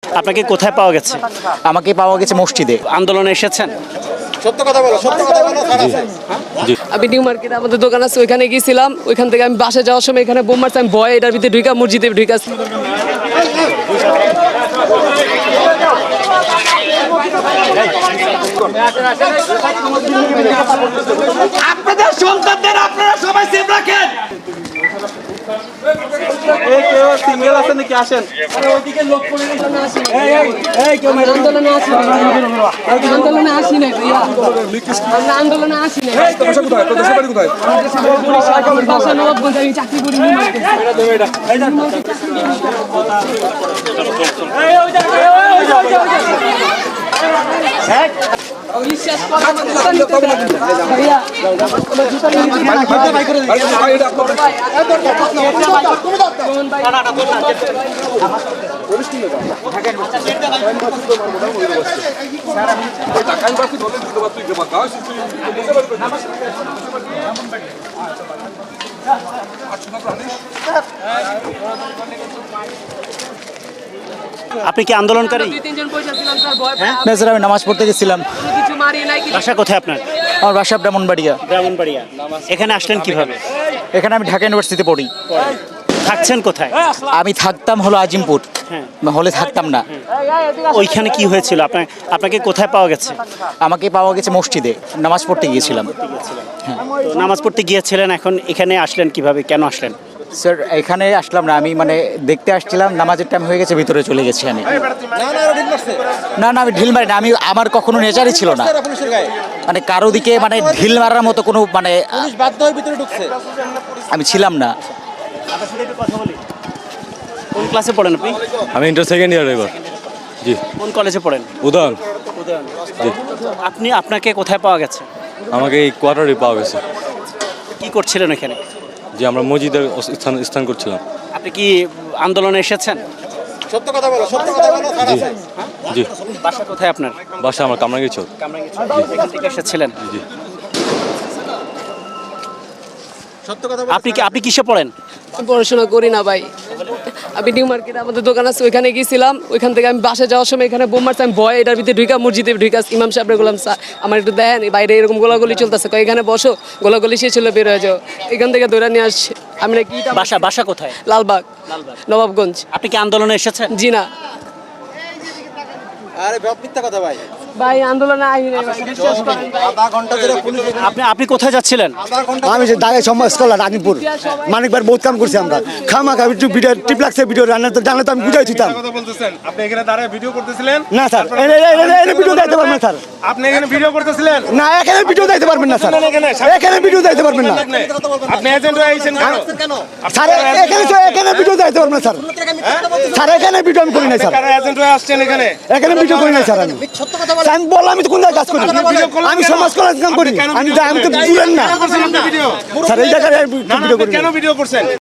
আপনাকে কোথায় পাওয়া গেছে? আমাকে পাওয়া গেছে মসজিদে। আন্দোলনে এসেছেন? সত্য কথা বলো, সত্য কথা বলো। আমি নিউ মার্কেটে আমাদের দোকান আছে, ওইখানে গিয়েছিলাম। ওইখান থেকে আমি বাসে যাওয়ার সময় এখানে বোম মারছে, আমি ভয় এটার ভিতরে ঢুকা মসজিদে ঢুকাছি। আপনাদের সন্তানদের আপনারা সবাই সেফ রাখেন। সিঙ্গেল আছেন নাকি? আসেন। আন্দোলনে আসি নাই, আন্দোলনে আসি নাই ভাইয়া, আমরা আন্দোলনে আসি নাই। বাসা নবাবগঞ্জ, আমি চাকরি করি নিউ মার্কেটে। বিশ্বাস করেন ভাইয়া, আপনি কি আন্দোলনকারী? না স্যার, আমি নামাজ পড়তে গেছিলাম। বাসা কোথায় আপনার? আমার বাসা ব্রাহ্মণবাড়িয়া। ব্রাহ্মণবাড়িয়া। এখানে আসলেন কিভাবে? এখানে আমি ঢাকা ইউনিভার্সিটিতে পড়ি। থাকছেন কোথায়? আমি থাকতাম হলো আজিমপুর, হলে থাকতাম না। ওইখানে কি হয়েছিল? আপনাকে কোথায় পাওয়া গেছে? আমাকে পাওয়া গেছে মসজিদে, নামাজ পড়তে গিয়েছিলাম। তো নামাজ পড়তে গিয়েছিলেন, এখন এখানে আসলেন কিভাবে? কেন আসলেন? স্যার এখানে আসলাম না, আমি মানে দেখতে আসছিলাম, নামাজের টাইম হয়ে গেছে, ভিতরে চলে গেছি আমি। না না, আমি ঢিল মারি না, আমি আমার কখনো নেচারই ছিল না মানে কারো দিকে মানে ঢিল মারার মতো কোনো মানে বাধ্য হয়ে ভিতরে ঢুকছে। আমি ছিলাম না। কোন ক্লাসে পড়েন আপনি? আমি ইন্টার সেকেন্ড ইয়ার এবার। জি। কোন কলেজে পড়েন? উদয়ন। জি। আপনাকে কোথায় পাওয়া গেছে? আমাকে এই কোয়ার্টারে পাওয়া গেছে। কি করছিলেন এখানে? যে আমরা মসজিদের স্থান করছিলাম। আপনি কি আন্দোলনে এসেছেন? সত্য কথা বলো, সত্য কথা বলো। জি। বাসা কোথায় আপনার? বাসা আমার কামরাঙ্গীরচর। এখান থেকে এসেছিলেন? জি। সত্য কথা আপনি কিসে পড়েন? পড়াশোনা করি না ভাই, আমি নিউ মার্কেটে আমাদের দোকান আছে, ওইখানে গিয়েছিলাম। ওইখান থেকে আমি বাসে যাওয়ার সময় এখানে বোম মারছে, আমি ভয় এটার ভিতরে ঢুকা মসজিদে ঢুকাছি। ইমাম সাহেব বললাম, স্যার আমার একটু দেখেন, বাইরে এরকম গোলাগুলি চলতেছে, এখানে বসো, গোলাগুলি শেষ হলে বের হয়ে যাও। এখান থেকে ধরে নিয়ে আসছে। আমি নাকি বাসা কোথায়? লালবাগ, নবাবগঞ্জ। আপনি কি আন্দোলনে এসেছেন? জি না আরে মিথ্যা কথা ভাই। ভাই, আন্দোলনে আইনি নাই ভাই, বিশ্বাস করেন ভাই। আধা ঘন্টা ধরে পুলিশ আপনি কোথায় যাচ্ছিলেন? আমি যে দাগে সমাজ কল্যাণ আজিমপুর মানিকবার বহুত কাম করছি আমরা। খামাখা একটু ভিডিও টিপ লাগছে, ভিডিও রান্না তো জানলে তো আমি বুঝাই দিতাম। কথা বলতেছেন, আপনি এখানে দাঁড়ায় ভিডিও করতেছিলেন? না স্যার, এনে ভিডিও দিতে পারবেন না স্যার। আপনি এখানে ভিডিও করতেছিলেন? না, এখানে ভিডিও দিতে পারবেন না স্যার, এখানে ভিডিও দিতে পারবেন না। আপনি এজেন্ট হয়ে আইছেন কেন? স্যার এখানে ভিডিও দিতে পারবেন না স্যার। স্যার এখানে ভিডিও আমি করি না স্যার, কারা এজেন্ট হয়ে আসছেন এখানে? এখানে ভিডিও করি না স্যার। আমি আমি বললাম আমি তো কোন জায়গায় কাজ করি, আমি সমাজ কল্যাণ কাম করি। আমি তো বুঝলেন না ভিডিও স্যার, এই জায়গায় ভিডিও করি না। কেন ভিডিও করছেন?